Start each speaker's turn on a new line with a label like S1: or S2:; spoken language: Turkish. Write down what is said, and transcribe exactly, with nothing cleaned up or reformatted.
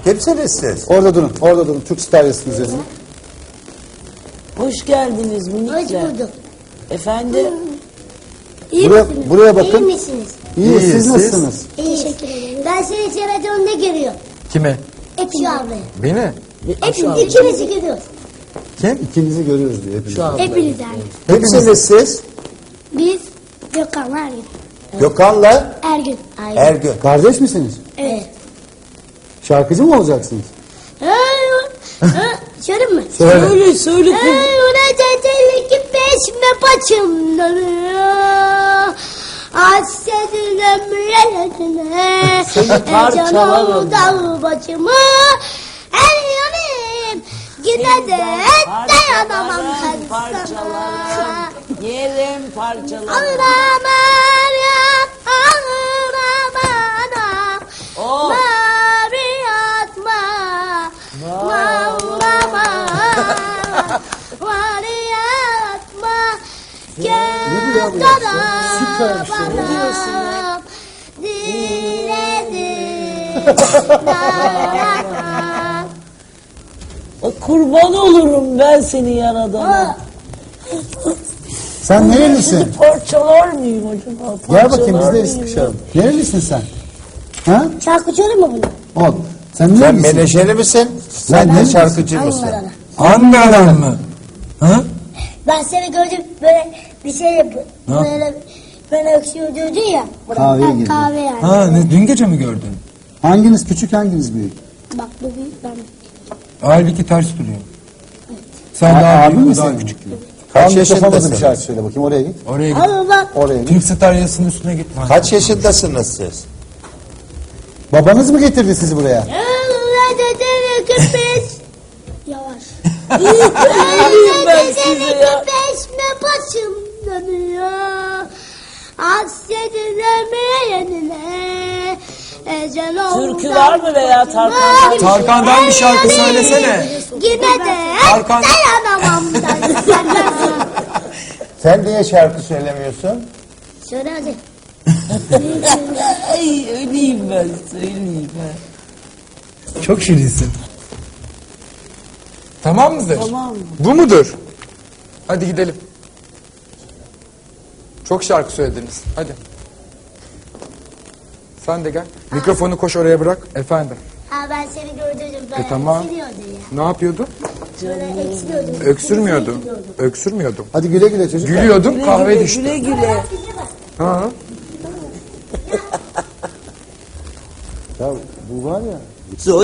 S1: Kimsiniz siz?
S2: Orada durun, orada durun. Türk Star yazısını yazın.
S3: Hoş geldiniz
S4: Hoş
S3: minikler.
S4: bulduk.
S3: Efendim?
S4: İyi
S2: Buraya-
S4: misiniz?
S2: buraya bakın.
S4: İyi misiniz?
S2: İyi,
S1: İyiyiz,
S2: siz
S1: siz?
S2: nasılsınız?
S4: Teşekkür ederim. Ben seni televizyonda görüyorum.
S1: Kime?
S4: Şu abi.
S1: Beni?
S4: Hepimiz ikimizi görüyoruz.
S1: Kim?
S2: İkinizi görüyoruz diyor hepimiz.
S3: Şu an.
S4: Hepiniz yani.
S1: Kimsiniz siz?
S4: Biz Gökhan Ergün.
S1: Gökhan'la
S4: Ergün.
S1: Ergün.
S2: Kardeş misiniz?
S4: Evet.
S2: Şarkıcı mı olacaksınız?
S4: Söyleyeyim mi?
S2: Söyle.
S3: Söyle söyle. kız.
S4: Öyle dedelik peşme paçımdan. Hasretin ömrüne.
S3: Seni parçalarım.
S4: Dağ başımı. Her yanım. Yine de dayanamam
S3: Parçalarım,
S4: sana.
S3: parçalarım. Yerim parçalarım.
S4: Ağlamam ya. Ağlamam.
S3: Oh.
S4: Mavi atma. Ağlama. Mavi atma.
S2: Ne diyor bu
S4: Gel
S2: ya?
S4: kara
S2: Süper bir şey.
S4: bana. Diledim. Dayanamam.
S3: Kurban olurum ben seni yaradana.
S2: Sen nerelisin?
S3: Parçalar mıyım acaba?
S2: Gel bakayım biz
S3: Parçalar
S2: de
S3: mıyım?
S2: sıkışalım. Nerelisin sen? Ha?
S4: Şarkı söyleyeyim mi bunu?
S2: Ol. Sen
S1: Sen
S2: nerelisin?
S1: menajeri misin? Sen
S2: Ben
S1: de
S2: de
S1: şarkıcı mısın?
S4: Ankara'da.
S5: Ankara'dan mı? Ha?
S4: Ben seni gördüm böyle bir şey yapıyor. Böyle böyle öksürüyor diyordun ya.
S2: Kahveye
S4: Ha,
S2: girdi.
S4: Kahve yani.
S5: Ha, ne, dün gece mi gördün?
S2: Hanginiz küçük hanginiz büyük?
S4: Bak bu büyük ben.
S5: Halbuki ters duruyor. Sen
S2: A-
S5: daha
S2: abi
S5: büyük,
S2: mi
S5: o daha
S2: senin?
S5: küçük.
S1: Kaç
S2: Al mikrofona da bir
S1: yaşındasınız?
S2: şarkı söyle bakayım oraya git.
S5: Oraya git.
S4: Ama bak.
S2: Oraya git.
S5: Türk Star yazısının üstüne git.
S1: Kaç yaşındasınız siz?
S2: Babanız mı getirdi sizi buraya?
S4: Öyle dedi köpek. Yavaş.
S3: diyeyim ben size ya?
S4: Peşme başım dönüyor. Hasretin ömrüne. Ecel oldu.
S3: Türkü var mı veya Tarkan'dan?
S5: Tarkan'dan bir şarkı söylesene.
S4: Yine de
S5: Tarkan-
S4: dayanamam ben sana.
S1: Sen niye şarkı söylemiyorsun?
S4: Söyle hadi.
S3: Ay öleyim ben söyleyeyim ben.
S5: Çok şirinsin. Tamam mıdır?
S3: Tamam mı?
S5: Bu mudur? Hadi gidelim. Çok şarkı söylediniz. Hadi. Sen de gel. Mikrofonu koş oraya bırak. Efendim.
S4: Ha ben seni gördüm. Ben
S5: E, tamam.
S4: eksiliyordu ya.
S5: Ne yapıyordu?
S4: Böyle eksiliyordum.
S5: Öksürmüyordu. Öksürmüyordu.
S2: Hadi güle güle çocuklar.
S5: Gülüyordum,
S3: Güle
S5: kahve
S3: güle,
S5: düştü.
S3: güle güle.
S5: Ha.
S2: Ya bu var ya.